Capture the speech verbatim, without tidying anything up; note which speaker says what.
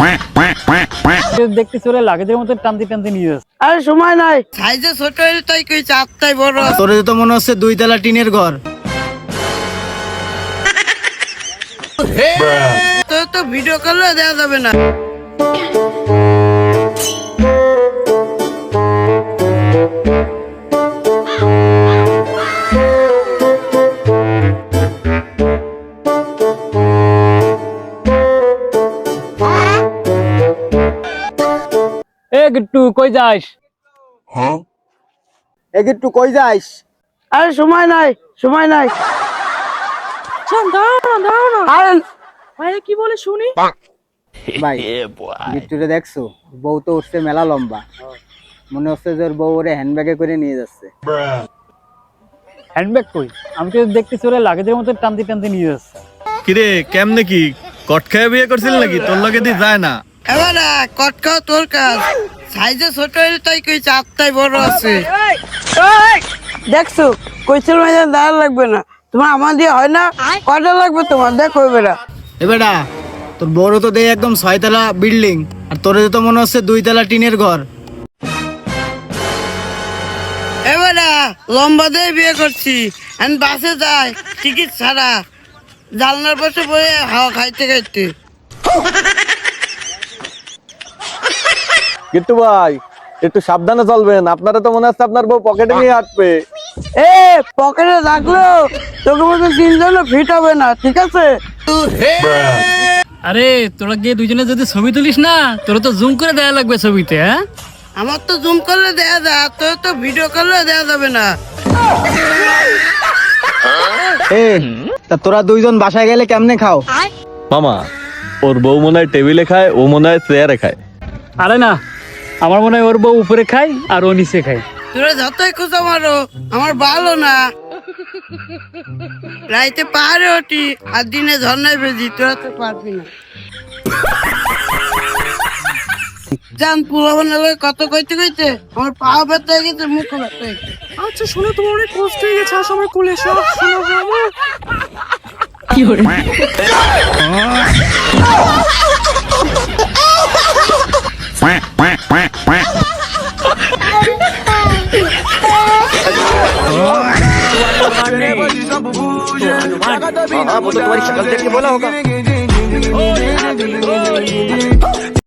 Speaker 1: দেখতে চলে লাগেজের মতো টানতে টানতে নিয়ে যাচ্ছে।
Speaker 2: আরে সময় নাই, সাইজে ছোট হইলে তাই কই চারটাই বড়।
Speaker 3: তোর তো মনে হচ্ছে দুই তলা টিনের ঘর।
Speaker 2: তোর তো ভিডিও করলে দেওয়া যাবে না।
Speaker 1: এ গিট্টু কই যাস?
Speaker 3: এ গিট্টু কই যাস?
Speaker 2: আরে সময় নাই, সময় নাই। আরে
Speaker 4: ভাই কি বলে শুনি?
Speaker 3: ভাই গিট্টুরে দেখছো? বউ তো উঠছে মেলা লম্বা, মনে হচ্ছে যে ওর বউ ওরে হ্যান্ডব্যাগে করে নিয়ে যাচ্ছে।
Speaker 1: হ্যান্ডব্যাগ কই? আমি তো দেখতে চলে লাগেজের মতো টানতে টানতে নিয়ে যাচ্ছে।
Speaker 5: কিরে কেমনে কি কট খেয়ে বিয়ে করছিল নাকি? তোর লগে দি যায় না।
Speaker 2: এবার কট খাও তোর কাজ। সাইজে ছোট হইলে তাই কই চারটাই বড় আছে। দেখছো কইছিল না দাঁড় লাগবে না, তোমার আমার দিয়ে হয় না। কয়টা লাগবে তোমার? দেখো বেটা।
Speaker 3: এ বেটা, তোর বড় তো দেয় একদম ছয়তলা বিল্ডিং, আর তোর তো মনে হচ্ছে দুই তলা টিনের ঘর।
Speaker 2: এবার লম্বা দিয়ে বিয়ে করছি, আমি বাসে যাই টিকিট ছাড়া, জানলার পাশে বসে হাওয়া খাইতে খাইতে।
Speaker 5: গিট্টু ভাই একটু সাবধানে চলবেন, আপনারা তো মনে হচ্ছে আপনার বউ পকেটে নিয়ে হাঁটবে।
Speaker 2: এ পকেটে রাখলো তোকে মতো তিনজন ফিট হবে না, ঠিক আছে?
Speaker 1: আরে তোরা গিয়ে দুজনে যদি ছবি তুলিস না, তোরা তো জুম করে দেয়া লাগবে ছবিতে। হ্যাঁ
Speaker 2: আমার তো জুম করলে দেয়া যায়, তোর তো ভিডিও করলে দেয়া যাবে না।
Speaker 3: এ তা তোরা দুইজন বাসায় গেলে কেমনে খাও?
Speaker 5: মামা ওর বউ মনে হয় টেবিলে খায়, ও মনে হয় চেয়ারে খায়।
Speaker 1: আরে না, আমার মনে হয় ওর বউ উপরে খায় আর ও নিচে খায়।
Speaker 2: তোরা যতই খুঁজো মারো আমার ভালো না। রাইতে পাহাড়ে ওঠি আর দিনে ঝর্ণায় ভেজি, তোরা তো পারবি না। জান পুলাবন কত কইতে কইতে আমার পা ব্যথা হয়ে গেছে, মুখ ব্যথা হয়ে গেছে।
Speaker 4: আচ্ছা শোনো, তোমার অনেক কষ্ট হয়ে গেছে, আসো আমার কোলে এসো। শোনো আমার
Speaker 1: কি করে?
Speaker 6: हाँ वो तो तुम्हारी शक्ल देख के बोला होगा।